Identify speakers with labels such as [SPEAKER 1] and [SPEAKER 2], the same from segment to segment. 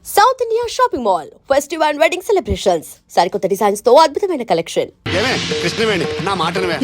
[SPEAKER 1] South India shopping mall festival and wedding celebrations సరికొత్త designs తో అద్భుతమైన కలెక్షన్.
[SPEAKER 2] కృష్ణవేణి నా మాటను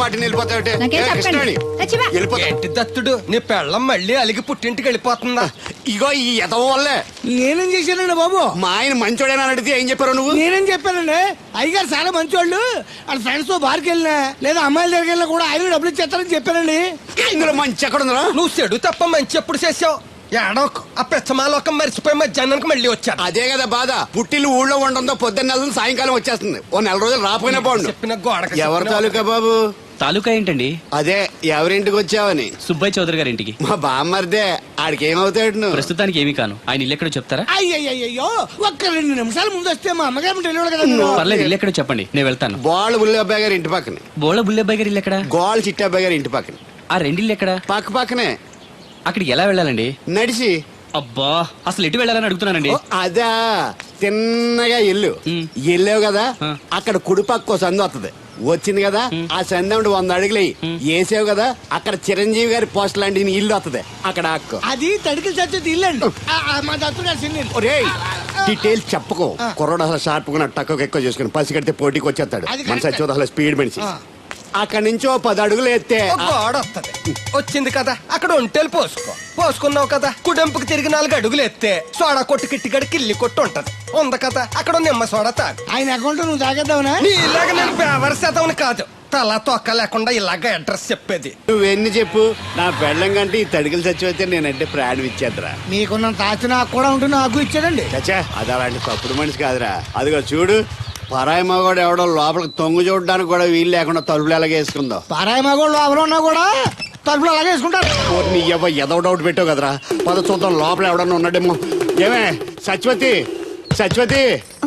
[SPEAKER 3] దత్తుడు నీ పెళ్ళం మళ్ళీ అలిగి పుట్టింటికి వెళ్ళిపోతుందా?
[SPEAKER 2] ఇగో ఈ ఎదవ వల్లే.
[SPEAKER 4] నేనేం చేశానండి బాబు?
[SPEAKER 2] మా ఆయన మంచోడేనా అడిగితే ఏం చెప్పారు నువ్వు?
[SPEAKER 4] నేనేం చెప్పానండి, అయ్యగారు చాలా మంచోళ్ళు, వాళ్ళ ఫ్రెండ్స్ తో బార్కి వెళ్ళినా లేదా అమ్మాయిల దగ్గరికి వెళ్ళినా కూడా ఆయన డబ్బులు ఇచ్చేస్తారని చెప్పానండి.
[SPEAKER 2] ఇందులో మంచి ఎక్కడ ఉందా?
[SPEAKER 3] నువ్వు చెడు తప్ప మంచి ఎప్పుడు చేసావు? ఏడోకు ఆ పెచ్చమాలోకం మర్చిపోయి మధ్యాహ్నానికి మళ్ళీ వచ్చాను.
[SPEAKER 2] అదే కదా బాధ. పుట్టిల్లు ఊళ్ళో ఉండడంతో పొద్దున్న నెల సాయంకాలం వచ్చేస్తుంది. ఓ నెల రోజులు రాపోయినా బాగుండు.
[SPEAKER 3] చెప్పిన గోడకి
[SPEAKER 2] ఎవరి తాలూకా బాబు?
[SPEAKER 5] తాలూకా ఏంటండి?
[SPEAKER 2] అదే ఎవరింటికి వచ్చావని.
[SPEAKER 5] సుబ్బయ్య చౌదరి గారి ఇంటికి.
[SPEAKER 2] మా బామ్మర్దే. ఆడికి ఏమవుతాడు నువ్వు?
[SPEAKER 5] ప్రస్తుతానికి ఏమీ కాను. ఆయన ఇల్లు ఎక్కడో చెప్తారా?
[SPEAKER 4] అయ్యయ్యో, ఒక్క 2 నిమిషాలు ముందు వస్తే మా అమ్మగారు తెలియదు కదా.
[SPEAKER 5] పర్లేదు, ఇల్లు ఎక్కడో చెప్పండి, నేను వెళ్తాను.
[SPEAKER 2] గోళ్ళ బుల్లి అబ్బాయి గారి ఇంటి పక్కన.
[SPEAKER 5] బోళ బుల్లెబ్బాయి గారి ఇల్లు ఎక్కడ?
[SPEAKER 2] గోళ్ళ చిట్టి అబ్బాయి గారి ఇంటి పక్కన.
[SPEAKER 5] ఆ రెండిల్లు ఎక్కడ?
[SPEAKER 2] పక్క పక్కనే.
[SPEAKER 5] అక్కడికి ఎలా వెళ్ళాలండి?
[SPEAKER 2] నడిచి.
[SPEAKER 5] అబ్బా, అసలు ఎటు వెళ్ళాలని అడుగుతున్నానండి.
[SPEAKER 2] అదా తిన్నగా ఇల్లు వెళ్ళావు కదా, అక్కడ కుడిపక్క సందు వస్తుంది. వచ్చింది కదా, ఆ సందు 100 అడుగులు వేసావు కదా, అక్కడ చిరంజీవి గారి పోస్ట్ లాంటి ఇల్లు వస్తుంది. అక్కడ అక్క
[SPEAKER 4] అది తడికి చచ్చేది ఇల్లండి. మా దత్తు గారు చిన్న
[SPEAKER 2] డీటెయిల్స్ చెప్పుకో. కుర్రోడు అసలు షార్ప్ గా తక్కువ ఎక్కువ చేసుకుని పసి కడితే పోటీకి వచ్చేస్తాడు. మన సచివత అసలు స్పీడ్ మనిషి. అక్కడి నుంచి 10 అడుగులు ఎత్తే
[SPEAKER 3] గోడ వస్తుంది. వచ్చింది కదా, అక్కడ ఒంటేలు పోసుకున్నావు కదా, కుడెంపుకి తిరిగి 4 అడుగులు ఎత్తే సోడా కొట్టు కిట్టిగడి కిల్లి కొట్టు ఉంటది. ఉంది కదా, అక్కడ నిమ్మ సోడా తాగు.
[SPEAKER 4] ఆయన అకౌంట్ నువ్వు తాగేద్దావునా?
[SPEAKER 3] ఇలాగ నేను పేవర్ శాతం కాదు, తల తొక్క లేకుండా ఇలాగ అడ్రస్ చెప్పేది.
[SPEAKER 2] నువ్వెన్ని చెప్పు, నా పెళ్ళం కంటే ఈ తడికలు చచ్చిపోతే నేనంటే ప్రాణం ఇచ్చేద్దరా.
[SPEAKER 4] మీకున్నంత ఆస్తి నాకు కూడా ఉంటుంది, నాకు ఇచ్చాడండి.
[SPEAKER 2] చచ్చా, అది అలాంటి తప్పుడు మనిషి కాదురా. అదిగో చూడు, పరాయి మగవాడు ఎవడో లోపలికి తొంగు చూడడానికి కూడా వీలు లేకుండా తలుపులు ఎలాగ వేసుకుందో.
[SPEAKER 4] పారాయి మగోళ్ళు లోపల ఉన్నా కూడా తలుపులు అలాగే వేసుకుంటారు.
[SPEAKER 2] నీ ఏదో డౌట్ పెట్టావు కదరా. పద చూద్దాం లోపల ఎవడన్నా ఉన్నాడేమో. ఏమే సత్యవతి, సత్యవతి.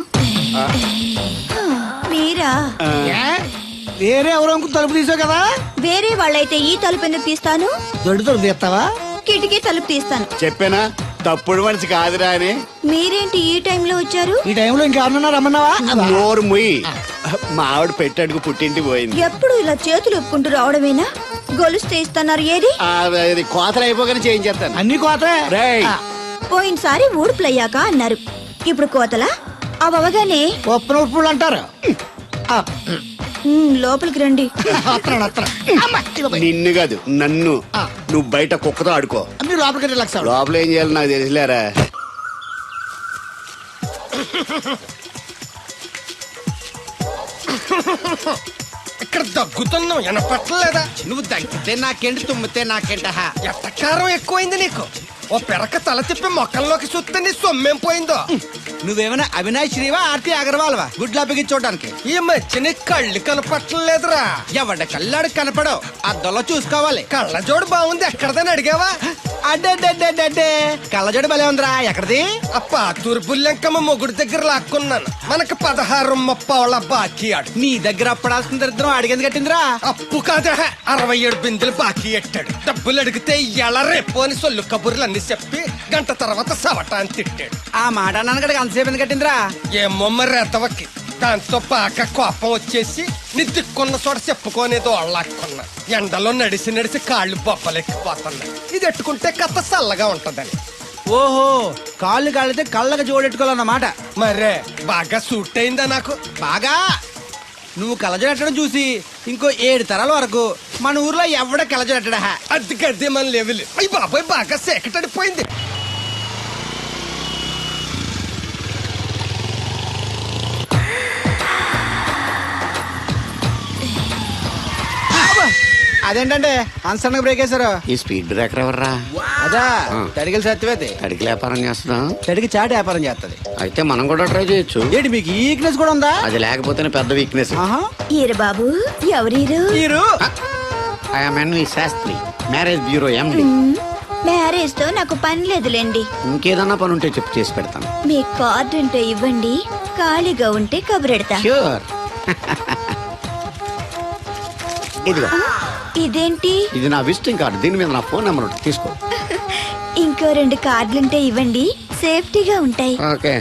[SPEAKER 6] మీరా?
[SPEAKER 4] వేరే ఎవరో తలుపు తీసావు కదా.
[SPEAKER 6] వేరే వాళ్ళైతే ఈ తలుపు ఎందుకు తీస్తాను?
[SPEAKER 4] దొడ్డు తలుపు తీస్తావా?
[SPEAKER 6] కిటికీ తలుపు తీస్తాను.
[SPEAKER 2] చెప్పానా తప్పుడు మనిషి కాదురా అని.
[SPEAKER 6] మీరేంటి ఈ టైంలో వచ్చారు?
[SPEAKER 4] ఈ టైంలో ఇంకెవరన్నా రమ్మన్నావా?
[SPEAKER 2] నోరు ముయ్యి. మా ఆవిడ పెట్టడుకు పుట్టింటి పోయింది.
[SPEAKER 6] ఎప్పుడు ఇలా చేతులు ఒప్పుకుంటూ రావడమేనా? గొలుస్తే ఇస్తున్నారు, ఏది?
[SPEAKER 2] అది కోతలు అయిపోగానే చేయించేస్తాను.
[SPEAKER 4] అన్ని కోతే.
[SPEAKER 6] పోయినసారి ఊడుపులయ్యాక అన్నారు, ఇప్పుడు కోతలా? అవగానే
[SPEAKER 4] ఉప్పున ఉప్పులు అంటారు.
[SPEAKER 6] లోపలికి రండి.
[SPEAKER 2] నిన్ను కాదు నన్ను. నువ్వు బయట కుక్కతో ఆడుకో.
[SPEAKER 4] మీరు లోపలికి రిలాక్స్ అవ్వండి.
[SPEAKER 2] లోపల ఏం చేయాలి నాకు తెలిసిలేరా.
[SPEAKER 3] ఇక్కడ దగ్గుతున్నావు, వినపట్టలేదా?
[SPEAKER 7] నువ్వు దగ్గితే నాకేంటి, తుమ్మితే నాకేంట.
[SPEAKER 3] ఎట్టకారం ఎక్కువైంది నీకు. ఓ పెరక తల తిప్పి మొక్కల్లోకి చూస్తే నీ సొమ్మేం పోయిందో.
[SPEAKER 7] నువ్వేమైనా అవినాష్ శ్రీవా, ఆర్తి అగర్వాల్వా గుడ్లా చూడడానికి?
[SPEAKER 3] ఈ మధ్య నీ కళ్ళు కనపట్టలేదురా.
[SPEAKER 7] ఎవడ కళ్ళాడు కనపడవు, అద్దంలో చూసుకోవాలి.
[SPEAKER 3] కళ్ళజోడు బాగుంది, ఎక్కడదని అడిగావా?
[SPEAKER 7] అడ్డే కళ్ళజోడు భలే ఉందిరా. ఎక్కడిది?
[SPEAKER 3] అప్ప తూర్పుల్లెంకమ్మ మొగుడు దగ్గర లాక్కున్నాను. మనకు 16 బాకీ ఆడు.
[SPEAKER 7] నీ దగ్గర అప్పడాల్సిన దరిద్రం అడిగింది కట్టిందిరా.
[SPEAKER 3] అప్పు కాదా, 67 బిందెలు బాకీ ఎట్టాడు. డబ్బులు అడిగితే ఎలా రేపు అని సొల్లు కబుర్లు అన్ని చెప్పి గంట తర్వాత సవటాన్ని తిట్టాడు.
[SPEAKER 7] ఆ మాట అన్నాను అంతసేపు ఎందుకు కట్టిందిరా?
[SPEAKER 3] ఏమో మరి రెతవకి. దాంతో బాగా కోపం వచ్చేసి నిద్దుకున్న చోట చెప్పుకోనేదో అళ్ళాక్కున్నా. ఎండలో నడిచి కాళ్ళు బొబ్బలెక్కిపోతున్నాయి. ఇది ఎట్టుకుంటే కథ చల్లగా ఉంటదని.
[SPEAKER 7] ఓహో, కాళ్ళు కాళ్ళైతే కళ్ళకి జోడెట్టుకోవాలన్నమాట.
[SPEAKER 3] మరే బాగా సూట్ అయిందా నాకు?
[SPEAKER 7] బాగా. నువ్వు కళ్ళజోడెట్టడం చూసి ఇంకో 7 తరాల వరకు మన ఊర్లో ఎవడ కళ్ళజోడెట్టడా.
[SPEAKER 3] అది గడ్డి మన లెవెల్. అయ్యి బాబాయ్, బాగా సేకటడిపోయింది.
[SPEAKER 7] అదేంటంటే అన్సన్ బ్రేక్ వేశారు.
[SPEAKER 2] ఈ స్పీడ్ బ్రేకర్ ఎవర్రా?
[SPEAKER 7] అదా తడికలు సత్యవేతి.
[SPEAKER 2] అడిగి వ్యాపారం చేస్తున్నాం.
[SPEAKER 7] తడికి చాటి వ్యాపారం చేస్తది.
[SPEAKER 2] అయితే మనం కూడా ట్రై చేయొచ్చు.
[SPEAKER 7] ఏంటి మీకు ఈ వీక్నెస్ కూడా ఉందా?
[SPEAKER 2] అది లేకపోతేనే పెద్ద వీక్నెస్.
[SPEAKER 6] ఈరు బాబు, ఎవరీరు?
[SPEAKER 7] మీరు?
[SPEAKER 2] I'm N V Shastri, marriage bureau MD.
[SPEAKER 6] Marriage తో నాకు పని లేదులేండి.
[SPEAKER 2] ఇంకేదన్నా పని ఉంటే చెప్పు, చేసి పెడతాను.
[SPEAKER 6] మీ కార్డు ఉంటే ఇవ్వండి, ఖాళీగా ఉంటే కబురెడతా.
[SPEAKER 2] ష్యూర్. ఇదిగో.
[SPEAKER 6] ఇదేంటి?
[SPEAKER 2] ఇది నా విజిటింగ్ కార్డు. దీని మీద నా ఫోన్ నెంబర్ ఉంటుంది, తీసుకో.
[SPEAKER 6] ఇంకో 2 కార్డులుంటే ఇవ్వండి, సేఫ్టీగా ఉంటాయి.
[SPEAKER 2] ఓకే.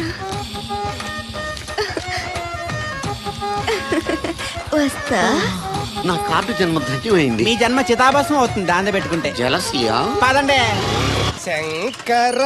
[SPEAKER 6] వస్తా.
[SPEAKER 2] నా కార్డు జన్మ ధన్యమైంది.
[SPEAKER 7] మీ జన్మ చితాభాసం అవుతుంది దాన్ని పెట్టుకుంటే.
[SPEAKER 2] జలసియా?
[SPEAKER 7] పదండి.
[SPEAKER 3] శంకర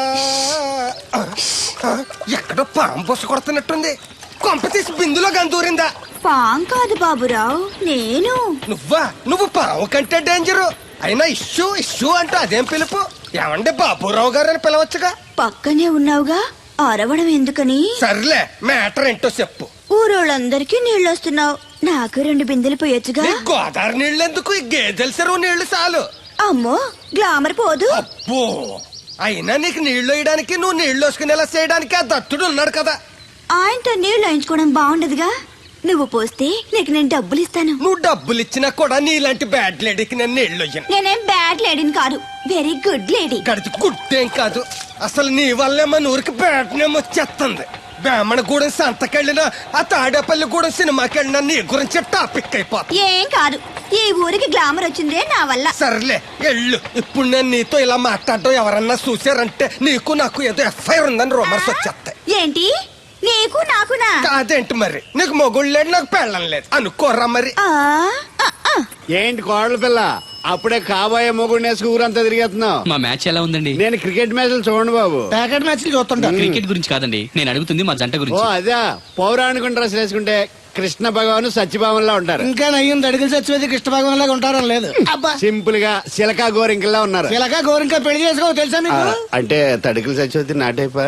[SPEAKER 3] ఎక్కడో పాము బొస కొడుతున్నట్టుంది. కొంప తీసి బిందులో గందూరిందా?
[SPEAKER 6] పాం కాదు బాబురావు, నేను.
[SPEAKER 3] నువ్వు పాము కంటే డేంజరు. అయినా ఇష్యూ ఇష్యూ అంటూ అదేం పిలుపు? ఏమండి బాబురావు గారు అని పిలవచ్చుగా.
[SPEAKER 6] పక్కనే ఉన్నావుగా, అరవడం ఎందుకని?
[SPEAKER 3] సర్లే, మ్యాటర్ ఏంటో చెప్పు.
[SPEAKER 6] ఊరోళ్ళందరికీ నీళ్ళొస్తున్నావు, నాకు 2 బిందెలు పోయొచ్చుగా.
[SPEAKER 3] నీ గోదావరి నీళ్ళు ఎందుకు? ఈ గేదెల చెరువు నీళ్లు చాలు.
[SPEAKER 6] అమ్మో, గ్లామర్ పోదు.
[SPEAKER 3] అబ్బో, అయినా నీకు నీళ్లు వేయడానికి, నువ్వు నీళ్లు వేసుకునేలా చేయడానికి ఆ దత్తుడు ఉన్నాడు కదా.
[SPEAKER 6] ఆయనతో నీళ్ళు వేయించుకోవడం బాగుండదుగా. నువ్వు పోస్తే నీకు నేను డబ్బులు ఇస్తాను.
[SPEAKER 3] నువ్వు డబ్బులు ఇచ్చినా కూడా నీలాంటి బ్యాడ్ లేడీకి నేను నీళ్లు వేయను.
[SPEAKER 6] నేనేం బ్యాడ్ లేడీని కాదు, వెరీ గుడ్ లేడీ.
[SPEAKER 3] గడిచి గుడ్డేం కాదు. అసలు నీ వల్లే మన ఊరికి బ్యాడ్ నేమ్ వచ్చేస్తుంది. బ్రాహ్మణగూడెం సంతకెళ్ళినా, ఆ తాడేపల్లిగూడెం సినిమాకెళ్ళినా నీ గురించి టాపిక్ అయిపోతుంది.
[SPEAKER 6] ఏం కాదు, ఈ ఊరికి గ్లామర్ వచ్చిందే నా వల్ల.
[SPEAKER 3] సర్లే ఎళ్ళు. ఇప్పుడు నేను నీతో ఇలా మాట్లాడడం ఎవరన్నా చూసారంటే నీకు నాకు ఏదో ఎఫ్ఐఆర్ ఉందని రూమర్స్ వచ్చేస్తాయి.
[SPEAKER 6] ఏంటి, నీకు నాకునా?
[SPEAKER 3] కాదేంటి మరి? నీకు మొగుళ్ళు లేడు, నాకు పెళ్ళం లేదు అనుకోరా మరి.
[SPEAKER 6] ఆ, ఆ, ఆ.
[SPEAKER 2] ఏంటి కోడల పిల్ల, అప్పుడే కాబోయే మొగుడు వేసుకు ఊరంతా తిరిగేస్తున్నావు?
[SPEAKER 5] మా మ్యాచ్ ఎలా ఉందండి?
[SPEAKER 2] నేను క్రికెట్ మ్యాచ్లు చూడండి బాబు.
[SPEAKER 4] ప్యాకెట్ మ్యాచ్లు చూస్తుంటా.
[SPEAKER 5] క్రికెట్ గురించి కాదండి, నేను అడుగుతుంది మా జంట
[SPEAKER 2] ఓ
[SPEAKER 5] గురించి.
[SPEAKER 2] అదే, పౌరాణిక డ్రెస్ వేసుకుంటే కృష్ణ భగవాన్ సత్యభావంలా ఉంటారు.
[SPEAKER 4] ఇంకా నయ్యం దడిగిలి చచ్చిపోతే కృష్ణ భాగం లాగా ఉంటారని లేదు. అబ్బా,
[SPEAKER 2] సింపుల్ గా సిలకా గోరింకల్లా ఉన్నారు.
[SPEAKER 4] ఇలాగా గోరింకా పెళ్లి చేసుకో తెలుసా
[SPEAKER 2] ఆ,
[SPEAKER 4] మీకు?
[SPEAKER 2] అంటే తడికలు చచ్చిపోతే నాటైపా.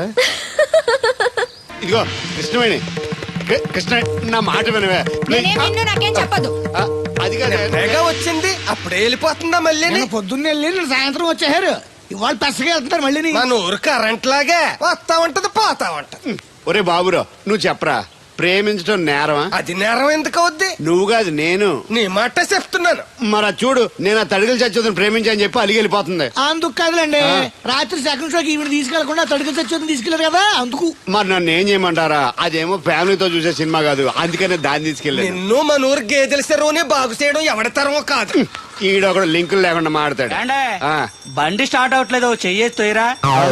[SPEAKER 2] ఇదిగో కృష్ణవేణి, కృష్ణ నా మాట వినవే.
[SPEAKER 6] నాకేం చెప్పదు.
[SPEAKER 2] ఆ, అది కాదు.
[SPEAKER 3] తెగ వచ్చింది అప్పుడే వెళ్ళిపోతుందా మళ్ళీ?
[SPEAKER 4] నేను పొద్దున్నే వెళ్ళి నేను సాయంత్రం వచ్చేసారు. ఇవాళ పెసగా వెళ్తున్నారు మళ్ళీ.
[SPEAKER 3] మన ఊరు కరెంట్ లాగే వస్తా ఉంటది పోతా ఉంటది.
[SPEAKER 2] ఒరే బాబురో, నువ్వు చెప్పరా, ప్రేమించడం నేరమా?
[SPEAKER 3] అది నేరం ఎందుకు అవుద్ది?
[SPEAKER 2] నువ్వు కాదు నేను.
[SPEAKER 3] నీ మాట చెప్తున్నాను.
[SPEAKER 2] మరి అది చూడు, నేను ఆ తడికలు చచ్చిపోతుంది ప్రేమించని చెప్పి అలిగి వెళ్ళిపోతుంది.
[SPEAKER 4] అందుకు కాదులేండి,
[SPEAKER 2] ఆ.
[SPEAKER 4] రాత్రి సెకండ్ షోకి ఈవిడ తీసుకెళ్లకుండా తడికి చచ్చి తీసుకెళ్లారు కదా అందుకు.
[SPEAKER 2] మరి నన్ను ఏం చేయమంటారా? అదేమో ఫ్యామిలీతో చూసే సినిమా కాదు, అందుకనే దాన్ని తీసుకెళ్ళాను.
[SPEAKER 3] నిన్ను మన ఊరు గేదెల చెరువుని బాగు చేయడం ఎవరి తరమో కాదు.
[SPEAKER 2] ఈడొకడు లింకులు లేకుండా మాడతాడు. ఆ.
[SPEAKER 7] బండి స్టార్ట్ అవట్లేదు, చెయ్యేరా.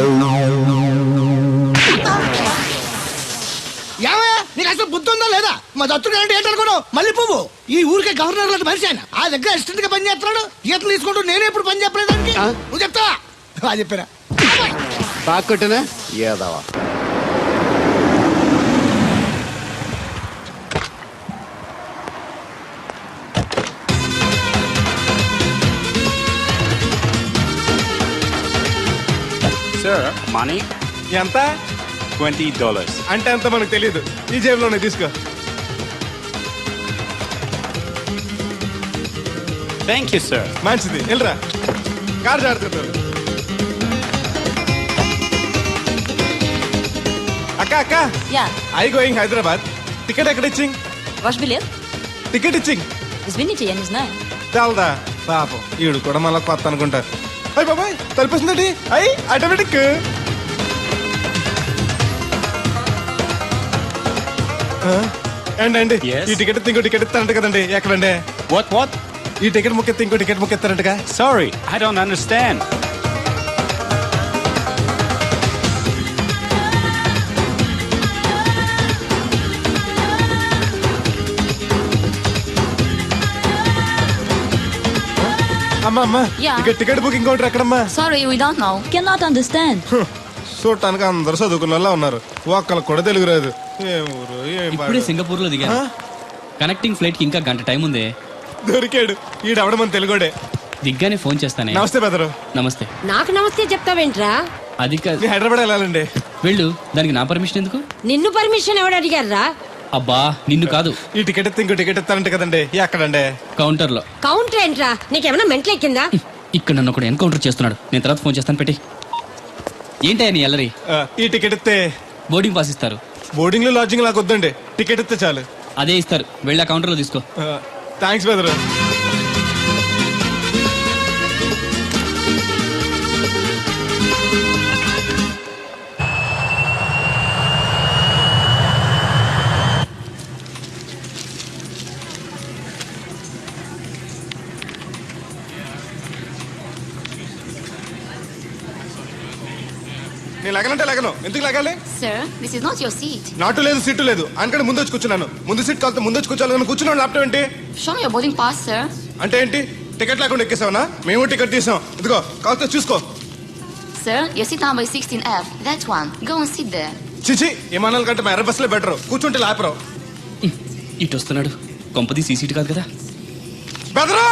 [SPEAKER 4] ఏమయ్యా, నీకు అసలు బుద్ధి ఉందా లేదా? మా దత్తుడు అంటే ఏంటనుకున్నావు? మళ్ళీ పువ్వు ఈ ఊరికే గవర్నర్ లాంటి మనిషి ఆయన. ఆ దగ్గర అసిస్టెంట్ గా పని చేస్తున్నాడు. ఈతలు తీసుకుంటూ నేనే ఎప్పుడు పని చెప్పలేదు దానికి.
[SPEAKER 2] ఆ?
[SPEAKER 4] నువ్వు చెప్తావా? అది చెప్పారా?
[SPEAKER 2] బాగా కొట్టినా ఏదవా.
[SPEAKER 8] సార్ మనీ
[SPEAKER 9] ఎంత?
[SPEAKER 8] $20.
[SPEAKER 9] అంటే ఎంత మనకు తెలియదు. ఈ జేబులోనే తీసుకో.
[SPEAKER 8] Thank you sir.
[SPEAKER 9] మంచిది, వెళ్ళరా. కార్ జాగ్రత్త. అక్క అక్క,
[SPEAKER 10] Yeah,
[SPEAKER 9] I going Hyderabad. Ticket ఎక్కడ ఇచ్చింగ్?
[SPEAKER 10] wash billet.
[SPEAKER 9] టికెట్ ఇచ్చింగ్
[SPEAKER 10] Das bin ich ja nicht nein.
[SPEAKER 9] చాలదా? పాపం ఈడు కూడా మళ్ళీ కొత్త అనుకుంటారు. అయ్యి బాబాయ్, తలిపేసిందండి. అయ్యి ఆటోమేటిక్. ఏంటండి
[SPEAKER 8] Yes.
[SPEAKER 9] ఈ టికెట్ ఇంకో టికెట్ ఇస్తారంట కదండి? ఎక్కడండి?
[SPEAKER 8] What?
[SPEAKER 9] ఈ టికెట్ ముక్కెత్తి ఇంకో టికెట్ ముక్కెత్తారంటగా?
[SPEAKER 8] Sorry, I don't understand.
[SPEAKER 9] అమ్మా అమ్మా,
[SPEAKER 10] Yeah.
[SPEAKER 9] ఇక టికెట్ బుకింగ్ కౌంటర్ ఎక్కడమ్మా?
[SPEAKER 10] Sorry, we don't know. Cannot understand.
[SPEAKER 9] చూడటానికి అందరు చదువుకున్న వాళ్ళ ఉన్నారు, ఒక్కళ్ళకి కూడా తెలుగు రాదు. ఏం ఊరు, ఏం
[SPEAKER 5] ఇప్పుడే
[SPEAKER 9] పాడు.
[SPEAKER 5] సింగపూర్ లో దిగాను. కనెక్టింగ్ ఫ్లైట్ కి ఇంకా గంట టైం ఉంది.
[SPEAKER 9] దొరికాడు ఈడవడం మన తెలుగుడే.
[SPEAKER 5] దిగ్గానే ఫోన్ చేస్తానే.
[SPEAKER 9] నమస్తే బెదరు.
[SPEAKER 5] నమస్తే.
[SPEAKER 10] నాకు నమస్తే చెప్తావేంట్రా?
[SPEAKER 5] అది కాదు,
[SPEAKER 9] మీ హైదరాబాద్ వెళ్ళాలండి.
[SPEAKER 5] వెళ్ళు. దానికి నా పర్మిషన్ ఎందుకు?
[SPEAKER 10] నిన్ను పర్మిషన్ ఎవడు అడిగారా?
[SPEAKER 5] అబ్బా, నిన్ను కాదు,
[SPEAKER 9] ఈ టికెట్ ఎత్తి ఇంకో టికెట్ ఇస్తారంట కదండి? ఎక్కడండి?
[SPEAKER 5] కౌంటర్ లో.
[SPEAKER 10] కౌంటర్ ఏంట్రా? నీకేమైనా మెంటల్ ఎక్కిందా?
[SPEAKER 5] ఇక్కడ నన్ను ఒకడు ఎన్కౌంటర్ చేస్తున్నాడు. నేను తర్వాత ఫోన్ చేస్తాను, పెట్టి. ఏంటయ్యా నీ ఎల్లరి?
[SPEAKER 9] ఈ టికెట్ ఇస్తే
[SPEAKER 5] బోర్డింగ్ పాస్ ఇస్తారు.
[SPEAKER 9] బోర్డింగ్ లో లాడ్జింగ్ లాగా వద్దండి, టికెట్ ఇస్తే చాలు.
[SPEAKER 5] అదే ఇస్తారు, వెళ్ళి ఆ కౌంటర్ లో తీసుకో.
[SPEAKER 9] థ్యాంక్స్ బెదరు. నేను లగనంటే లగను. ఎందుకు లగాలి?
[SPEAKER 10] Sir, this is not your seat.
[SPEAKER 9] నాటు లేదు, సీటు లేదు. అందుకని ముందు వచ్చి కూర్చున్నాను. ముందు సీట్ కాలితే ముందు వచ్చి కూర్చోాలని కూర్చున్నాను. ల్యాప్టాప్ ఏంటి
[SPEAKER 10] Show me your boarding pass, sir.
[SPEAKER 9] అంటే ఏంటి? టికెట్ లేకుండా ఎక్కేసావనా? మేము టికెట్ తీసాం. ఇదిగో కాలితే చూసుకో.
[SPEAKER 10] sir. Your seat number is 16F. That one. Go and sit there.
[SPEAKER 9] చిచి విమానాల కంటే మా ఎర్ర బస్సులో బెటర్, కూర్చుంటే లాపరు.
[SPEAKER 5] ఇటు వస్తున్నాడు. కొంపది సీసీటీ కాదు కదా.
[SPEAKER 9] బెదరు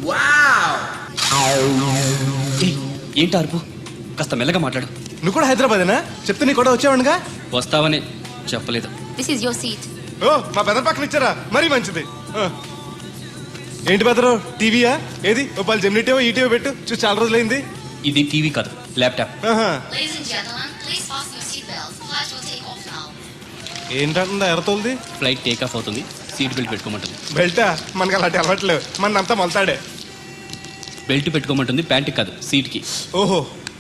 [SPEAKER 5] ఏయ్, ఏంటి అరుపు? కాస్త మెల్లగా మాట్లాడు.
[SPEAKER 9] నువ్వు కూడా హైదరాబాదేనా? చెప్తే నీ కూడా వచ్చావనుగా.
[SPEAKER 5] వస్తావనే చెప్పలేదు.
[SPEAKER 10] This is your seat.
[SPEAKER 9] ఓ మా బెదర్ పక్కన ఇచ్చారా, మరీ మంచిది. ఏంటి బెదరు, టీవీయా? ఏది ఓ పలు జెమినిటీవో ఈటీవో పెట్టు, చూసి చాలా రోజులైంది.
[SPEAKER 5] ఇది టీవీ కాదు, ల్యాప్టాప్.
[SPEAKER 9] ఆహా.
[SPEAKER 10] Ladies and gentlemen, please fasten your seatbelts. Flight will take off now.
[SPEAKER 9] ఏంటంటుందా ఎర్రతోల్ది?
[SPEAKER 5] ఫ్లైట్ టేక్ ఆఫ్ అవుతుంది. సీట్ బెల్ట్ పెట్టుకోమంటుంది.
[SPEAKER 9] బెల్టా? మనకి అలాంటి అలవాట్లేవు, మన అంతా మొలతాడే.
[SPEAKER 5] బెల్ట్ పెట్టుకోమంటుంది, ప్యాంట్ కాదు, సీట్ కి.
[SPEAKER 9] ఓహో.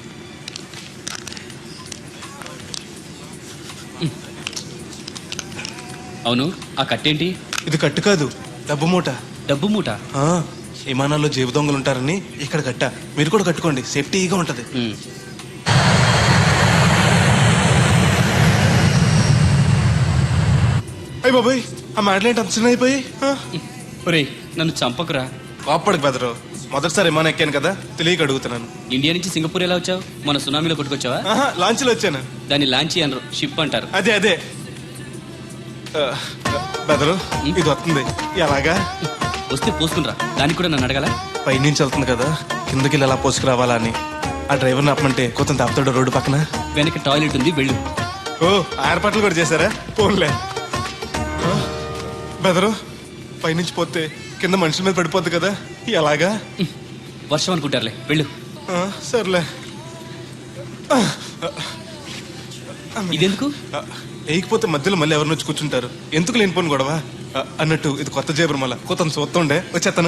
[SPEAKER 5] అవును, ఆ కట్టేంటి?
[SPEAKER 9] ఇది కట్టు కాదు, డబ్బు మూట.
[SPEAKER 5] డబ్బు మూట.
[SPEAKER 9] ఆ, విమానాల్లో జేబు దొంగలు ఉంటారని ఇక్కడ కట్ట. మీరు కూడా కట్టుకోండి, సేఫ్టీగా ఉంటది. అయ్యి బాబాయ్, ఆ మాటలేంటి అంత చిన్న అయిపోయి?
[SPEAKER 5] ఒరేయ్, నన్ను చంపకురా.
[SPEAKER 9] కోప్పడికి బెదరు, మొదటిసారి విమానం ఎక్కాను కదా, తెలియక అడుగుతున్నాను.
[SPEAKER 5] ఇండియా నుంచి సింగపూర్ ఎలా వచ్చావు? మన సునామీలో కొట్టుకొచ్చావా?
[SPEAKER 9] ఆహా, లాంచ్లో వచ్చాను.
[SPEAKER 5] దాన్ని లాంచీ అనరు, షిప్ అంటారు.
[SPEAKER 9] అదే అదే. బెదరు, ఇది వస్తుంది ఎలాగా?
[SPEAKER 5] వస్తే పోసుకునిరా. దానికి కూడా నన్ను అడగాల?
[SPEAKER 9] పైనుంచి వెళ్తుంది కదా, కిందకి ఎలా పోసుకురావాలా అని. ఆ డ్రైవర్ని ఆపమంటే కొంత తాపుతాడు రోడ్డు పక్కన.
[SPEAKER 5] వెనక టాయిలెట్ ఉంది, వెళ్ళు.
[SPEAKER 9] ఓ, ఏర్పాట్లు కూడా చేశారా? పోన్లే. బెదరు, పైనుంచి పోతే కింద మనుషుల మీద పడిపోద్ది కదా, ఎలాగా?
[SPEAKER 5] వర్షం అనుకుంటారులే, వెళ్ళు.
[SPEAKER 9] సర్లే.
[SPEAKER 5] ఇదెందుకు?
[SPEAKER 9] వేయకపోతే మధ్యలో మళ్ళీ ఎవరిని వచ్చి కూర్చుంటారు, ఎందుకు లేనిపోను గొడవ. అన్నట్టు ఇది కొత్త జేబురు, మళ్ళా కొత్త చూస్తుండే వచ్చేస్తాను.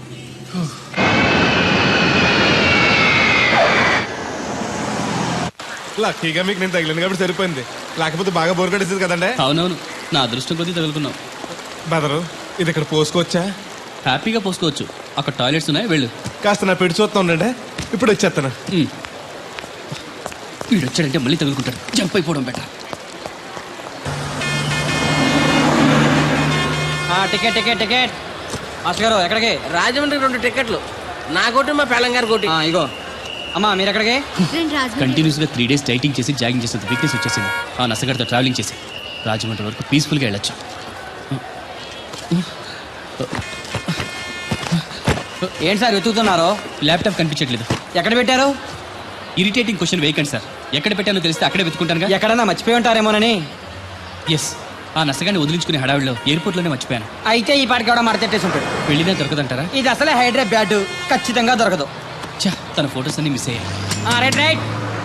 [SPEAKER 9] లక్కీగా మీకు నేను తగిలింది కాబట్టి సరిపోయింది, లేకపోతే బాగా బోర్ కట్టేసింది కదండి.
[SPEAKER 5] అవునవును, నా అదృష్టం కొద్దీ తగులుకున్నావు.
[SPEAKER 9] బెదరు, ఇది ఇక్కడ పోసుకోవచ్చా?
[SPEAKER 5] హ్యాపీగా పోసుకోవచ్చు, అక్కడ టాయిలెట్స్ ఉన్నాయి, వెళ్ళు.
[SPEAKER 9] కాస్త నా పెట్టి చూస్తా ఉండండి, ఇప్పుడు వచ్చేస్తాను.
[SPEAKER 5] వీడు వచ్చాడంటే మళ్ళీ తగులుకుంటాడు, జంప్ అయిపోవడం better.
[SPEAKER 7] Ticket ticket ticket. Master గారు ఎక్కడికి? రాజమండ్రి 2 టికెట్లు, నా కోటి మా పెళ్ళం గారి కోటి. ఇగో అమ్మా, మీరు ఎక్కడికి?
[SPEAKER 5] కంటిన్యూస్ గా 3 days డైటింగ్ చేసి జాగింగ్ చేసేంత వీక్నెస్ వచ్చేసింది. ఆ నసగడితో ట్రావెలింగ్ చేసి రాజమండ్రి వరకు పీస్ఫుల్ గా వెళ్ళొచ్చు.
[SPEAKER 7] ఏంటి సార్ వెతుకుతున్నారు?
[SPEAKER 5] ల్యాప్టాప్ కనిపించట్లేదు.
[SPEAKER 7] ఎక్కడ పెట్టారు?
[SPEAKER 5] ఇరిటేటింగ్ క్వశ్చన్ వేయకండి సార్. ఎక్కడ పెట్టానో తెలిస్తే అక్కడే వెతుకుంటాను.
[SPEAKER 7] ఎక్కడన్నా మర్చిపోయి ఉంటారేమోనని.
[SPEAKER 5] ఎస్, ఆ నసగాన్ని వదిలించుకునే హడావిడిలో ఎయిర్పోర్ట్ లోనే మర్చిపోయాను.
[SPEAKER 7] అయితే ఈ పాటికి కూడా మడతెట్టేసి ఉంటాడు.
[SPEAKER 5] వెళ్ళినా దొరకదంటారా?
[SPEAKER 7] ఇది అసలే హైదరాబాద్, ఖచ్చితంగా దొరకదు.
[SPEAKER 5] చా, తన ఫొటోస్ అన్ని మిస్ అయ్యాయి.
[SPEAKER 7] Right right.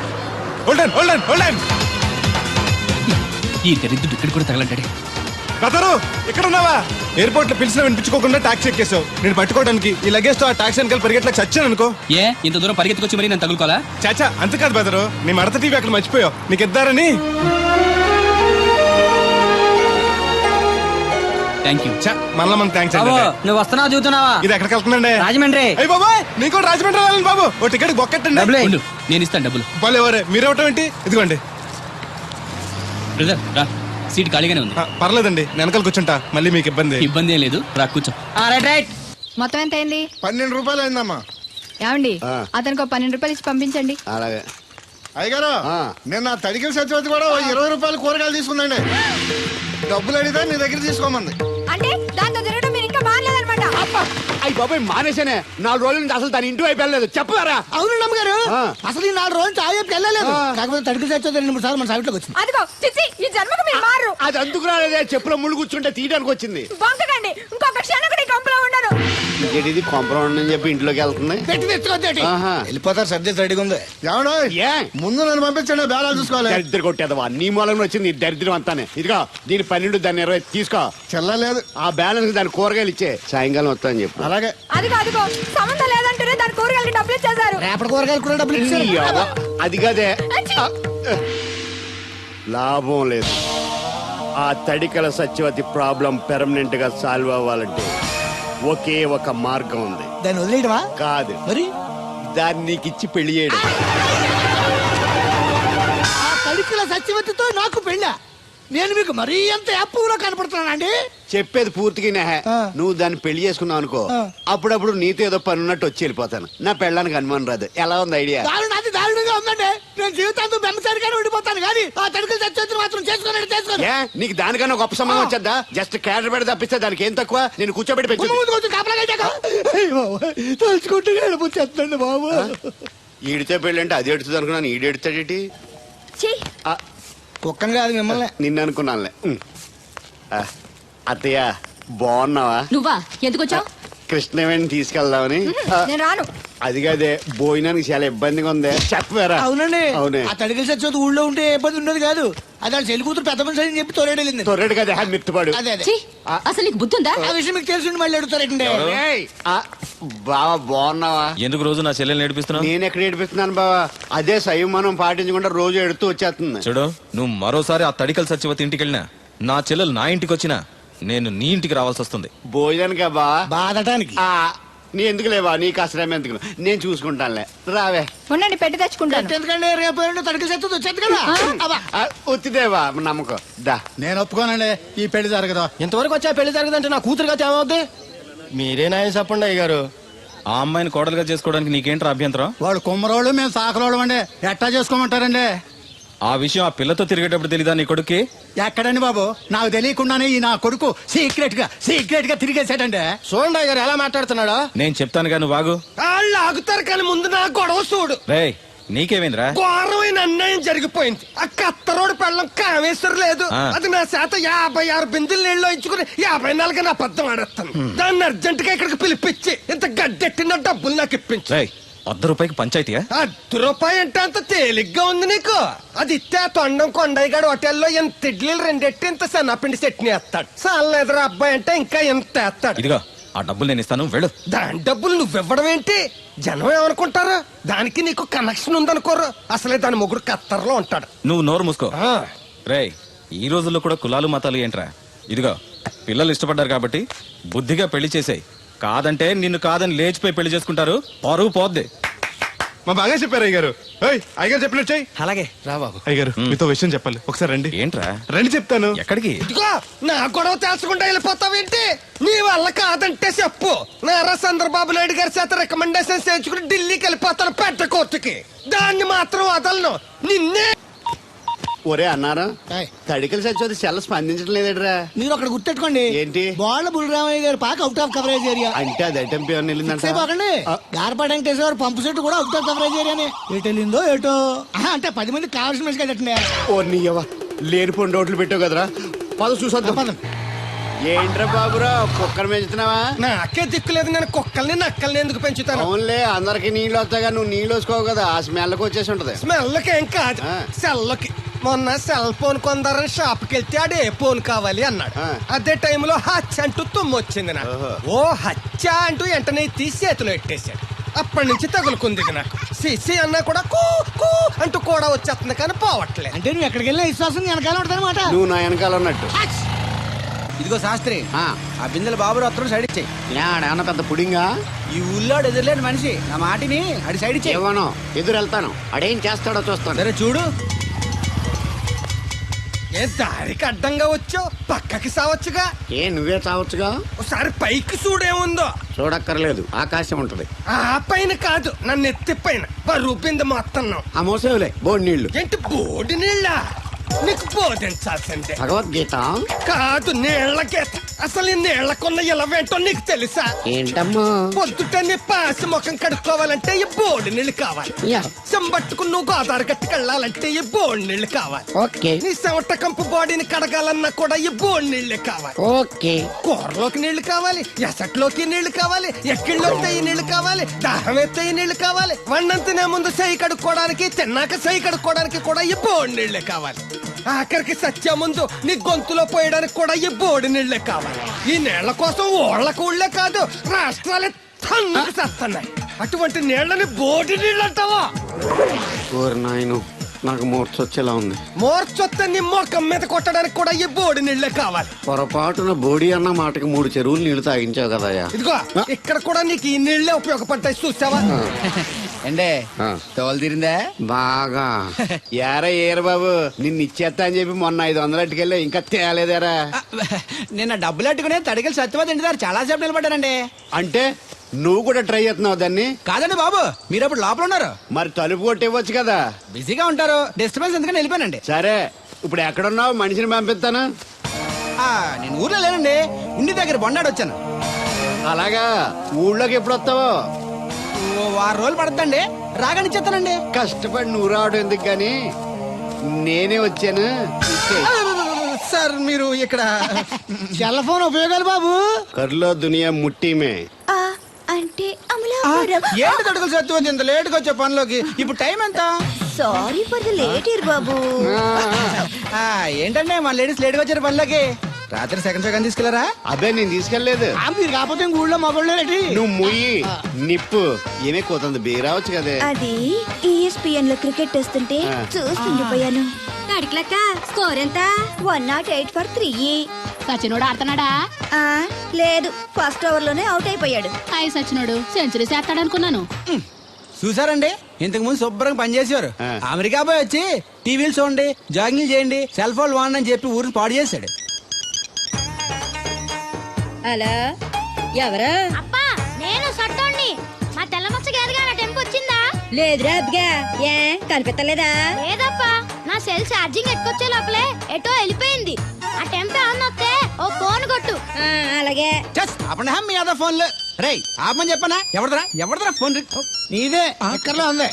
[SPEAKER 5] ఈ దరిద్రుడు ఇక్కడ కూడా తగలంటాడే.
[SPEAKER 9] బెదరు, ఇక్కడ ఉన్నావా? ఎయిర్పోర్ట్ లో పిలిచిన వినిపించుకోకుండా టాక్సీ ఎక్కేసావు. నేను పట్టుకోవడానికి ఈ లగేజ్ తో ఆ టాక్సీ వెనకాల పరిగెట్లకు చచ్చాను అనుకో.
[SPEAKER 5] ఏ, ఇంత దూరం పరిగెత్తుకొచ్చి మరి నేను తగులుకోవాలా?
[SPEAKER 9] చాచా, అంతకాదు బెదరు, నీ మడత టీవీ అక్కడ మర్చిపోయావు, నీకు ఇద్దారని.
[SPEAKER 5] Thank you.
[SPEAKER 9] మళ్ళా మనకు థ్యాంక్స్ అండి.
[SPEAKER 7] నువ్వు వస్తున్నావు చూస్తున్నావా?
[SPEAKER 9] ఇది ఎక్కడికి వెళ్తుందండి?
[SPEAKER 7] రాజమండ్రి.
[SPEAKER 9] అయ్యి బాబాయ్, నీకు కూడా రాజమండ్రి వెళ్ళండి బాబు. ఓ టికెట్ బొక్కెట్టండి.
[SPEAKER 5] ఉండు, నేను ఇస్తాను డబ్బులు.
[SPEAKER 9] బాలు ఎవరే, మీరేవటం ఏంటి? ఇదిగోండి.
[SPEAKER 5] బ్రదర్ రా, సీట్ ఖాళీగానే ఉంది.
[SPEAKER 9] పర్లేదండి, నేను వెనకాల కూర్చుంటా, మళ్ళీ మీకు ఇబ్బంది.
[SPEAKER 5] ఇబ్బంది ఏం లేదు, రా కూర్చో.
[SPEAKER 7] Right right.
[SPEAKER 6] మొత్తం ఎంత అయింది?
[SPEAKER 2] 12 రూపాయలు అయిందమ్మా.
[SPEAKER 6] ఏమండి, అతనికి 12 రూపాయలు ఇచ్చి పంపించండి.
[SPEAKER 2] అలాగే.
[SPEAKER 4] అయ్యగారు, నేను నా తడికిల సత్యవతి కూడా 20 రూపాయలు కూరగాయలు తీసుకుందండి. డబ్బులు అడిగితే నీ దగ్గర తీసుకోమంది.
[SPEAKER 6] అంటే దాంతో తిరగడం మీరు ఇంకా మానలేదన్నమాట.
[SPEAKER 2] అయ్యి బాబాయ్, మానేశానే. 4 రోజుల నుంచి అసలు దాని ఇంటి వైపు వెళ్ళలేదు. చెప్పారా?
[SPEAKER 4] అవునండి అమ్మగారు, అసలు ఈ 4 రోజులు చాయ్ వెళ్ళలేదు. కాకపోతే తడికి సత్యవతి 2-3 సార్లు మన సైట్ లోకి వచ్చింది.
[SPEAKER 6] అదిగో చిచ్చి, ఈ జన్మకు మీరు మారు.
[SPEAKER 2] అది అందుకు రాలేదే, చెప్పులో ముళ్ళు కూర్చుంటే తీయడానికి వచ్చింది.
[SPEAKER 6] బొంకకండి, ఇంకొక క్షణం కూడా ఈ కంపులో ఉండను.
[SPEAKER 2] ఇది కాంపౌండ్ అని చెప్పి ఇంట్లోకి వెళ్తుంది.
[SPEAKER 4] పెట్టి తెచ్చుకోద్దేటి,
[SPEAKER 2] ఆహా.
[SPEAKER 4] వెళ్ళిపోతారు. సర్ది రెడీగా ఉంది. ఏమన్నా
[SPEAKER 2] ఏ
[SPEAKER 4] ముందు నన్ను పంపించండి, బేరాలు చూసుకోవాలి.
[SPEAKER 2] దరిద్ర కొట్టేదవా, నీ మూలంగా వచ్చింది ఈ దరిద్రం అంతానే. ఇదిగో దీని 12, దాన్ని 20 తీసుకో.
[SPEAKER 4] చెల్లలేదు.
[SPEAKER 2] ఆ బ్యాలెన్స్ దాని కూరగాయలు ఇచ్చే, సాయంకాలం వస్తా అని చెప్పు.
[SPEAKER 4] అలాగే.
[SPEAKER 6] అదిగో అదిగో, సంబంధం లేదంటూనే దాని కూరగాయలకి డబ్బులు ఇచ్చేశారు.
[SPEAKER 4] రేపటి కూరగాయలు కూడా డబ్బులు ఇచ్చారు.
[SPEAKER 2] ఈ అవ్వ, అది కదే. లాభం లేదు. ఆ తడికల సత్యవతి ప్రాబ్లం పెర్మనెంట్ గా సాల్వ్ అవ్వాలంటే ఒకే ఒక మార్గం ఉంది.
[SPEAKER 4] దాన్ని వదిలేయడమా?
[SPEAKER 2] కాదు,
[SPEAKER 4] మరి
[SPEAKER 2] దాన్ని నీకు ఇచ్చి పెళ్లి చేయడం.
[SPEAKER 4] ఆ తడికల సత్యవతితో నాకు పెళ్ళ. నేను మీకు మరీ ఎంత యాప్లో కనపడుతున్నానండి?
[SPEAKER 2] చెప్పేది పూర్తిగా నెహ.
[SPEAKER 4] ఆ.
[SPEAKER 2] నువ్వు దాన్ని పెళ్లి చేసుకున్నావు అనుకో,
[SPEAKER 4] ఆ.
[SPEAKER 2] అప్పుడప్పుడు నీతో ఏదో పని ఉన్నట్టు వచ్చి వెళ్ళిపోతాను. నా పెళ్ళడానికి అనుమానం రాదు. ఎలా ఉంది ఐడియా?
[SPEAKER 4] దారుణంగా ఉందండి. నేను జీవితాంతం బెమ్మసారిగానే ఉండిపోతాను కానీ ఆ తడుకులు చచ్చి మాత్రం చేసుకోను.
[SPEAKER 2] ఏ నీకు దానికన్నా గొప్ప సంబంధం వచ్చేద్దా? జస్ట్ క్యారెట్ పెడితే తప్పిస్తే దానికి ఏం తక్కువ? నేను కూర్చోబెట్టి పెంచు.
[SPEAKER 4] తలుచుకుంటే వెళ్ళిపోతుందండి బాబు.
[SPEAKER 2] ఈడితే పెళ్ళి అంటే అది ఎడుతుంది అనుకున్నాను. ఈడు ఎడుతాడేటి?
[SPEAKER 4] కుక్కను కాదు మిమ్మల్ని.
[SPEAKER 2] నిన్ను అనుకున్నానులే. అత్తయ్య బాగున్నావా?
[SPEAKER 10] నువ్వా ఎందుకు వచ్చావు?
[SPEAKER 2] కృష్ణవేణి తీసుకెళ్దామని.
[SPEAKER 6] నేను రాను.
[SPEAKER 2] అది కాదే, భోజనానికి చాలా ఇబ్బందిగా ఉంది. చెప్పారా?
[SPEAKER 4] అవునండి.
[SPEAKER 2] అవునే.
[SPEAKER 4] ఆ తడికలు చచ్చేది ఊళ్ళో ఉంటే ఏ ఇబ్బంది ఉండదు కాదు. అది వాళ్ళ చెల్లి కూతురు పెద్ద మనిషి అని చెప్పి తోలేడెళ్ళింది.
[SPEAKER 2] తొర్రెడు కదా మిత్తుపాడు.
[SPEAKER 4] అదే అదే.
[SPEAKER 10] ఛీ, అసలు నీకు బుద్ధి ఉందా?
[SPEAKER 4] ఆ విషయం మీకు తెలిసి మళ్ళీ అడుగుతారండి.
[SPEAKER 2] బావా బాగున్నావా?
[SPEAKER 11] ఎందుకు రోజు నా చెల్లెల్ని ఏడిపిస్తున్నావు?
[SPEAKER 2] నేను ఎక్కడ ఏడిపిస్తున్నాను బావా? అదే సంయమనం పాటించకుండా రోజు ఎడుతూ వచ్చేస్తుంది.
[SPEAKER 11] చూడు, నువ్వు మరోసారి ఆ తడికల సత్యవతి ఇంటికి వెళ్ళినా, నా చెల్లెలు నా ఇంటికి వచ్చినా, నేను నీ ఇంటికి రావాల్సి వస్తుంది.
[SPEAKER 2] భోజనానికా బావా?
[SPEAKER 4] బాధటానికి.
[SPEAKER 2] నీ ఎందుకు లేవా? నీకు అసలు ఎందుకు? నేను చూసుకుంటానులే. రావే.
[SPEAKER 6] ఉండండి, పెట్టి తెచ్చుకుంటాను.
[SPEAKER 4] ఎందుకంటే రేపు తడికలు చచ్చేది వచ్చేది కదా.
[SPEAKER 2] వచ్చిదేవా నమ్మకం. దా.
[SPEAKER 4] నేను ఒప్పుకోనండి, ఈ పెళ్లి జరగదు.
[SPEAKER 3] ఇంతవరకు వచ్చా పెళ్లి జరగదంటే నా కూతురుగా ఏమవుద్ది? మీరే నాయం చెప్పండి అయ్య గారు.
[SPEAKER 11] ఆ అమ్మాయిని కోడలుగా చేసుకోవడానికి నీకేంట్రా అభ్యంతరం?
[SPEAKER 4] వాడు కుమ్మరోళ్ళు, మేము సాకరోళ్ళు అండి. ఎట్టా చేసుకోమంటారండి?
[SPEAKER 11] ఆ విషయం ఆ పిల్లతో తిరిగేటప్పుడు తెలీదా నీ కొడుక్కి?
[SPEAKER 4] ఎక్కడండి బాబు? నాకు తెలియకుండానే ఈ నా కొడుకు సీక్రెట్ గా తిరిగేసాడండి.
[SPEAKER 3] చూడండి అయ్య గారు ఎలా మాట్లాడుతున్నాడో.
[SPEAKER 11] నేను చెప్తాను కానీ వాగు.
[SPEAKER 3] వాళ్ళు ఆగుతారు కానీ ముందు నా గొడవ చూడు.
[SPEAKER 11] రేయ్, నీకేమైందిరా?
[SPEAKER 3] ఘోరమైన అన్యాయం జరిగిపోయింది. ఆ కత్తరోడు పెళ్ళం కామేశ్వరం లేదు.
[SPEAKER 11] ఆ.
[SPEAKER 3] అది నా చేత 56 బిందులు నీళ్ళు ఇచ్చుకుని 54 నా అబద్ధం ఆడేస్తాను. దాన్ని అర్జెంట్ గా ఇక్కడికి పిలిపించి ఇంత గడ్డెట్టిన డబ్బులు నాకు ఇప్పించు.
[SPEAKER 11] రేయ్, ₹100 పంచాయతీయా?
[SPEAKER 3] ₹10 అంటే అంత తేలిగ్గా ఉంది నీకు? అది ఇస్తే ఆ తొండం కొండయ్యగాడు హోటల్లో ఎంత ఇడ్లీలు 2 ఇంత సన్నపిండి చట్నీ వేస్తాడు. సాల ఎదురు అబ్బాయి అంటే ఇంకా ఎంత వేస్తాడు.
[SPEAKER 11] ఇదిగో, ఆ డబ్బులు నేను ఇస్తాను, వెళ్ళు.
[SPEAKER 3] దాని డబ్బులు నువ్వివ్వడం ఏంటి? జనం ఏమనుకుంటారు? దానికి నీకు కనెక్షన్ ఉందనుకోరు. అసలే దాని మొగుడు కత్తర్లో ఉంటాడు.
[SPEAKER 11] నువ్వు నోరు మూసుకో.
[SPEAKER 3] ఆ.
[SPEAKER 11] రేయ్, ఈ రోజుల్లో కూడా కులాలు మతాలు ఏంట్రా? ఇదిగో, పిల్లలు ఇష్టపడ్డారు కాబట్టి బుద్ధిగా పెళ్లి చేసేయ్. కాదంటే నిన్ను కాదని లేచిపోయి పెళ్లి చేసుకుంటారు, పరువు పోద్ది.
[SPEAKER 9] మా బాగా చెప్పారు అయ్యగారు. అయ్యగారు చెప్పినట్టు చెయ్యి.
[SPEAKER 3] అలాగే రా బాబు.
[SPEAKER 9] అయ్యగారు మీతో విషయం చెప్పాలి, ఒకసారి రండి.
[SPEAKER 11] ఏంట్రా?
[SPEAKER 9] రండి చెప్తాను.
[SPEAKER 11] ఎక్కడికి?
[SPEAKER 3] ఇదిగో నా గొడవ తెలుసుకుంటా వెళ్ళిపోతావేంటి? నీ వల్ల కాదంటే చెప్పు. నారా చంద్రబాబు నాయుడు గారి చేత రికమెండేషన్ చేయించుకుని ఢిల్లీకి వెళ్ళిపోతాను పెద్ద కోర్టుకి. దాన్ని మాత్రం వదలను. నిన్నే.
[SPEAKER 2] ఒరే అన్నారా,
[SPEAKER 4] ఏయ్.
[SPEAKER 2] తడికలు చచ్చి సెల్ల స్పందించడం లేదట్రా.
[SPEAKER 4] మీరు అక్కడ గుర్తెట్టుకోండి.
[SPEAKER 2] ఏంటి?
[SPEAKER 4] బాల బుల్రామయ్య గారి పాక అవుట్ ఆఫ్ కవరేజ్ ఏరియా.
[SPEAKER 2] అంటే అది ఐటమ్ పేరు వెళ్ళిందంట.
[SPEAKER 4] పోకండి. గార్పాటి వెంకటేశ్వర పంపు సెట్ కూడా అవుట్ ఆఫ్ కవరేజ్ ఏరియానే. ఎటు వెళ్ళిందో ఏటో. అంటే 10 మంది కావాల్సిన మనిషి కదండి.
[SPEAKER 2] ఓ నీయవ్వ, లేనిపోయిన రోడ్లు పెట్టావు కదరా. పద చూసొద్దాం.
[SPEAKER 4] పదం.
[SPEAKER 2] ఏంట్రా బాబురా, కుక్కను పెంచుతున్నావా?
[SPEAKER 3] నాకే దిక్కులేదు. నేను కుక్కల్ని నక్కల్ని ఎందుకు పెంచుతాను?
[SPEAKER 2] అవునులే, అందరికి నీళ్ళు వస్తాగా, నువ్వు నీళ్ళు వేసుకోవు కదా, ఆ స్మెల్కి వచ్చేసి ఉంటది.
[SPEAKER 3] స్మెల్కి ఏం కాదు,
[SPEAKER 2] ఆ.
[SPEAKER 3] సెల్కి. మొన్న సెల్ ఫోన్ కొందరని షాప్కి వెళ్తే ఆడు ఏ ఫోన్ కావాలి అన్నాడు.
[SPEAKER 2] ఆ.
[SPEAKER 3] అదే టైంలో హచ్చ అంటూ తుమ్మొచ్చింది నాకు. ఓ హచ్చ అంటూ వెంటనే తీసి చేతిలో పెట్టేశాడు. అప్పటి నుంచి తగులుకుంది ఇది నాకు. సిసి అన్నా కూడా కూ కూ అంటూ కూడా వచ్చేస్తుంది కానీ పోవట్లేదు.
[SPEAKER 4] అంటే నువ్వు ఎక్కడికి వెళ్ళినా విశ్వాసం వెనకాల ఉంటదన్నమాట.
[SPEAKER 2] నువ్వు నా వెనకాల ఉన్నట్టు.
[SPEAKER 7] ఇదిగో శాస్త్రి, ఆ బిందెల బాబు అత్తరు సైడ్ ఇచ్చాయి.
[SPEAKER 2] ఏమన్నా పెద్ద పుడింగా?
[SPEAKER 7] ఈ ఊళ్ళో ఎదురులేని మనిషి నా మాటిని అడి సైడ్ ఇచ్చాయి.
[SPEAKER 2] ఏమనో ఎదురు వెళ్తాను, అడేం చేస్తాడో చూస్తాను.
[SPEAKER 7] సరే చూడు.
[SPEAKER 3] ఏ దారికి అడ్డంగా వచ్చావు, పక్కకి సావచ్చుగా.
[SPEAKER 2] ఏ నువ్వే చావచ్చుగా.
[SPEAKER 3] ఒకసారి పైకి చూడేముందో.
[SPEAKER 2] చూడక్కర్లేదు, ఆకాశం ఉంటది.
[SPEAKER 3] ఆ పైన కాదు, నన్ను ఎత్తి పైన బరువు బిందె మొత్తం.
[SPEAKER 2] ఆ మోసేవులే బోడి నీళ్లు.
[SPEAKER 3] ఏంటి బోడి నీళ్ళ? నీకు బోధించాల్సిందే.
[SPEAKER 2] భగవద్గీత
[SPEAKER 3] కాదు, నీళ్ల గీత. అసలు ఈ నీళ్లకున్న ఇలవేంటో నీకు తెలుసా?
[SPEAKER 2] ఏంటమ్మా?
[SPEAKER 3] పొద్దుట నీ పాసి ముఖం కడుక్కోవాలంటే ఈ బోడి నీళ్ళు కావాలి.
[SPEAKER 2] యా.
[SPEAKER 3] చెంబట్టుకుని నువ్వు గోదావరి గట్టుకు వెళ్ళాలంటే ఈ బోడి నీళ్ళు కావాలి.
[SPEAKER 2] ఓకే
[SPEAKER 3] నీ చెమట కంపు బాడీని కడగాలన్నా కూడా ఈ బోడి నీళ్ళే కావాలి.
[SPEAKER 2] ఓకే.
[SPEAKER 3] కూరలోకి నీళ్లు కావాలి, ఎసట్లోకి నీళ్లు కావాలి, ఎక్కిళ్ళొస్తే ఈ నీళ్లు కావాలి, దాహం ఎత్తే ఈ నీళ్లు కావాలి. వండం తినే ముందు సై కడుక్కోవడానికి, తిన్నాక సై కడుక్కోవడానికి కూడా ఈ బోడి నీళ్లే కావాలి. ఆఖరికి సత్య ముందు నీ గొంతులో పోయడానికి కూడా ఈ బోడి నీళ్లే కావాలి. ఈ నీళ్ల కోసం ఓళ్లకు ఊళ్ళే కాదు, రాష్ట్రాలే తన్నుకు చేస్తున్నాయి. అటువంటి నీళ్లని బోడి నీళ్ళు అంటావా?
[SPEAKER 2] ఓరి నాయను, నాకు మూర్చొచ్చేలా ఉంది.
[SPEAKER 3] మోర్చొత్తే నీ మొఖం మీద కొట్టడానికి కూడా ఈ బోడి నీళ్లే కావాలి.
[SPEAKER 2] పొరపాటున బోడి అన్న మాటకి 3 చెరువులు నీళ్లు తాగించావు కదయ్యా.
[SPEAKER 3] ఇదిగో ఇక్కడ కూడా నీకు ఈ నీళ్లే ఉపయోగపడ్డాయి, చూసావా?
[SPEAKER 7] ఏండే
[SPEAKER 2] ఆ.
[SPEAKER 7] తోలు తీరిందా
[SPEAKER 2] బాగా ఏరా బాబు నిన్ను ఇచ్చేస్తా అని చెప్పి మొన్న 500 అట్టుకెళ్ళి ఇంకా తేలేదారా
[SPEAKER 7] నిన్న డబ్బులు అట్టుకునే తడికలు సత్యవతి ఇంటి దగ్గర చాలా సేపు నిలబడ్డానండి.
[SPEAKER 2] అంటే నువ్వు కూడా ట్రై చేస్తున్నావు దాన్ని?
[SPEAKER 7] కాదండి బాబు, మీరు అప్పుడు లోపల ఉన్నారు,
[SPEAKER 2] మరి తలుపు కొట్టివ్వచ్చు కదా.
[SPEAKER 7] బిజీగా ఉంటారు, డిస్టర్బెన్స్ ఎందుకని వెళ్ళిపోయానండి.
[SPEAKER 2] సరే ఇప్పుడు ఎక్కడున్నావు? మనిషిని పంపిస్తాను.
[SPEAKER 7] నేను ఊర్లో లేనండి, ఇంటి దగ్గర బొండాడు వచ్చాను.
[SPEAKER 2] అలాగా, ఊళ్ళోకి ఎప్పుడు వస్తావో?
[SPEAKER 7] ఓ 6 రోజులు పడుతుందండి, రాగానే చెప్తానండి.
[SPEAKER 2] కష్టపడి నువ్వు రావడం ఎందుకు గాని నేనే వచ్చాను.
[SPEAKER 7] సార్ మీరు ఇక్కడ
[SPEAKER 4] సెల్ ఫోన్ ఉపయోగాలు బాబు.
[SPEAKER 2] కర్లో దునియా ముట్టిమే.
[SPEAKER 6] ఆ, అంటే అమలాపురం.
[SPEAKER 7] ఏంటి తడుకులు సత్యవతి ఇంత లేటుగా వచ్చే పనిలోకి? ఇప్పుడు టైం ఎంత?
[SPEAKER 6] Sorry for the late year బాబు.
[SPEAKER 7] ఏంటంటే మా లేడీస్ లేట్గా వచ్చారు పనిలోకి. రాత్రి సెకండ్ సెకండ్ తీసుకెళ్లారా?
[SPEAKER 2] అదే నేను తీసుకెళ్లేదు.
[SPEAKER 4] మీరు కాకపోతే ఇంక ఊళ్ళో మగోళ్ళేటి.
[SPEAKER 2] నువ్వు ముయ్యి నిప్పు ఏమే కోతుంది బీరావచ్చు కదే.
[SPEAKER 6] అది ESPN లో క్రికెట్ వస్తుంటే చూస్తుండిపోయాను.
[SPEAKER 10] అడిక్లక్క స్కోర్ ఎంత?
[SPEAKER 6] 108 for 3.
[SPEAKER 10] సచినోడు ఆడుతున్నాడా?
[SPEAKER 6] లేదు, ఫస్ట్ ఓవర్ లోనే అవుట్ అయిపోయాడు.
[SPEAKER 10] హాయ్ సచినోడు సెంచరీ చేస్తాడనుకున్నాను.
[SPEAKER 7] చూసారండి, ఇంతకు ముందు శుభ్రంగా పనిచేసేవారు. అమెరికా పోయి వచ్చి టీవీలు చూడండి, జాగింగ్ చేయండి, సెల్ ఫోన్ వాడండి అని చెప్పి ఊరిని పాడు చేశాడు.
[SPEAKER 6] అలా ఎవరా?
[SPEAKER 10] అబ్బా నేను సట్టోణ్ణి. మా తెల్ల మచ్చ గారిగా నా టెంపు వచ్చిందా?
[SPEAKER 6] లేదురా అబ్బగా, ఏ కనిపెట్టలేదా?
[SPEAKER 10] లేదప్పా, నా సెల్ ఛార్జింగ్ ఎక్కొచ్చే లోపలే ఎటో వెళ్ళిపోయింది. ఆ టెంపు ఆన్ వస్తే ఓ ఫోన్ కొట్టు.
[SPEAKER 6] అలాగే.
[SPEAKER 7] అప్పుడు మీ అదా ఫోన్లు రే ఆపమని చెప్పనా? ఎవడదరా ఫోన్?
[SPEAKER 4] నీదే ఎక్కర్లో ఉంది.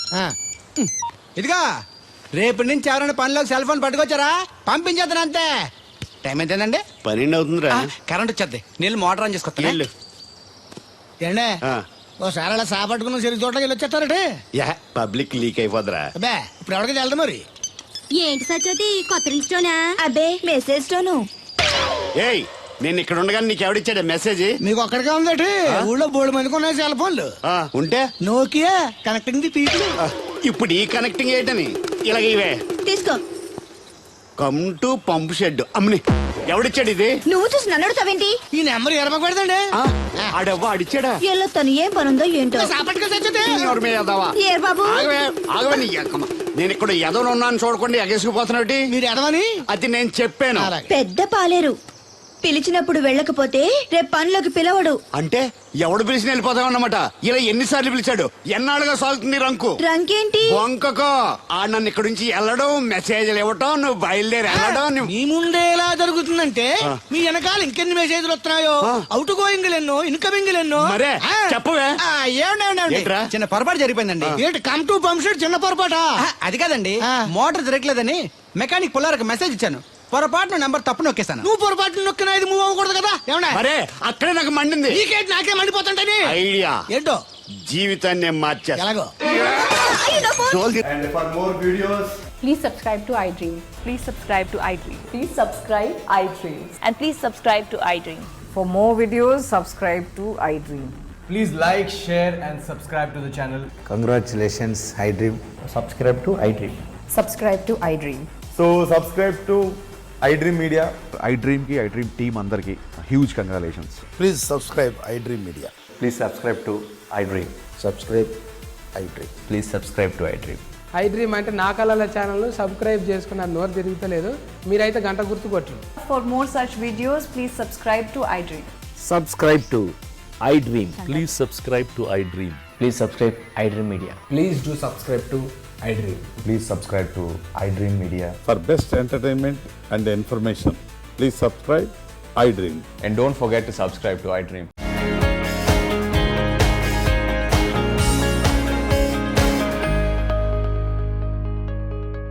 [SPEAKER 7] ఇదిగా రేపటి నుంచి ఎవరైనా పనిలోకి సెల్ ఫోన్ పట్టుకొచ్చారా పంపించేద్దాను అంతే. టైం ఎంతేనండి?
[SPEAKER 2] 12 అవుతుందిరా.
[SPEAKER 7] కరెంట్ వచ్చేద్ది, నీళ్ళు మోటార్ ఆన్ చేసుకొస్తా.
[SPEAKER 2] వెళ్ళు.
[SPEAKER 4] ఏండే
[SPEAKER 2] ఆ.
[SPEAKER 4] ఓసారి అలా సాపట్టుకున్న చెరుకు తోటకి వెళ్ళి వచ్చేస్తారటే.
[SPEAKER 2] యా పబ్లిక్ లీక్ అయిపోద్రా.
[SPEAKER 4] అబ్బే ఇప్పుడు ఎవరికి వెళ్దాం మరి.
[SPEAKER 10] ఏంటి సత్యవతి కొత్త లిస్టోనా?
[SPEAKER 6] అబ్బే మెసేజ్ తోను.
[SPEAKER 2] ఏయ్ నేను ఇక్కడ ఉండగా నీకు ఎవడిచ్చాడే మెసేజ్?
[SPEAKER 4] మీకు ఒక్కడికే ఉందటి. ఊళ్ళో 3 మందికి ఉన్నాయి సెల్ ఫోన్లు.
[SPEAKER 2] ఉంటే
[SPEAKER 4] నోకియా కనెక్టింగ్ ది పీపుల్.
[SPEAKER 2] ఇప్పుడు ఈ కనెక్టింగ్ ఏంటని ఇలాగ ఇవే
[SPEAKER 6] తీసుకో.
[SPEAKER 2] Come to pump shed. అమ్మని ఎవడిచ్చాడు ఇది?
[SPEAKER 6] నువ్వు చూసి నన్ను అడుగుతావేంటి?
[SPEAKER 4] ఈ నెంబర్ ఎరమకు పెడదండి.
[SPEAKER 2] ఆడవ్వ అడిచాడా?
[SPEAKER 6] ఎల్లో తను ఏం పనుందో ఏంటో.
[SPEAKER 4] సాపట్టుకు తెచ్చతే.
[SPEAKER 2] ఎవరి మీద ఎదవా?
[SPEAKER 6] ఏ బాబు?
[SPEAKER 2] ఆగవే నీ అక్కమ్మ. నేను ఇక్కడ ఎదవను ఉన్నాను చూడకుండా ఎగేసుకుపోతున్నట్టు.
[SPEAKER 4] మీరు ఎడవని
[SPEAKER 2] అది నేను చెప్పాను.
[SPEAKER 6] పెద్ద పాలేరు. పిలిచినప్పుడు వెళ్ళకపోతే రేపు పనిలోకి పిలవడు.
[SPEAKER 2] అంటే ఎవడు పిలిచిన వెళ్ళిపోతామన్నమాట. ఇలా ఎన్నిసార్లు పిలిచాడు? ఎన్నాళ్ళుగా సాగుతుంది రంకు.
[SPEAKER 6] రంకేంటి?
[SPEAKER 2] వంకకో ఆ నన్ను ఇక్కడ నుంచి వెళ్ళడం, మెసేజ్లు ఇవ్వటం, నువ్వు బయలుదేరి వెళ్ళడం.
[SPEAKER 4] మీ ముందే ఎలా జరుగుతుందంటే మీ వెనకాల ఇంకెన్ని మెసేజ్లు వస్తున్నాయో. అవుట్ గోయింగ్ ఎన్నో, ఇన్కమింగ్ ఎన్నో.
[SPEAKER 2] మరే చెప్పవే. ఏంట్రా?
[SPEAKER 7] చిన్న పొరపాటు జరిగిపోయిందండి.
[SPEAKER 4] ఏంటి కమ్ టు పంప్ షెడ్ చిన్న పొరపాట?
[SPEAKER 7] అది కాదండి, మోటార్ తిరగలేదని మెకానిక్ పుల్లారకు మెసేజ్ ఇచ్చాను. పొరపాటున నెంబర్ తప్పు నొక్కేశాను.
[SPEAKER 4] నువ్వు పొరపాటు నొక్కినా ఇది మూవ్ అవ్వకూడదు కదా. ఏమన్నా
[SPEAKER 2] మరే అక్కడే నాకు మండింది.
[SPEAKER 4] నీకేంటి నాకే మండిపోతుంటని
[SPEAKER 2] ఐడియా
[SPEAKER 4] ఏంటో
[SPEAKER 2] జీవితాన్ని మార్చా.
[SPEAKER 4] ఎలాగో.
[SPEAKER 9] And for more videos,
[SPEAKER 12] please subscribe to iDream. Please subscribe to iDream. Please subscribe iDream. And please subscribe to iDream. For more videos, subscribe to iDream.
[SPEAKER 3] Please like, share and subscribe to the channel.
[SPEAKER 13] Congratulations, iDream. Subscribe to iDream.
[SPEAKER 12] Subscribe to iDream.
[SPEAKER 9] so subscribe to iDream Media.
[SPEAKER 13] iDream ki iDream team andarki huge congratulations.
[SPEAKER 4] Please subscribe iDream మీడియా.
[SPEAKER 13] Please subscribe to iDream. Subscribe iDream. Please subscribe to iDream.
[SPEAKER 12] iDream అంటే నా కళల channel subscribe చేసుకున్న నోరు తిరుగుతలేదు. మీరైతే గంట గుర్తు కొట్టండి. For more such videos, please subscribe to iDream.
[SPEAKER 13] Subscribe to iDream. Please subscribe to iDream. Please subscribe iDream Media.
[SPEAKER 3] Please do subscribe to iDream.
[SPEAKER 13] Please subscribe to iDream Media.
[SPEAKER 9] For best entertainment and information, please subscribe iDream.
[SPEAKER 13] And don't forget to subscribe to iDream.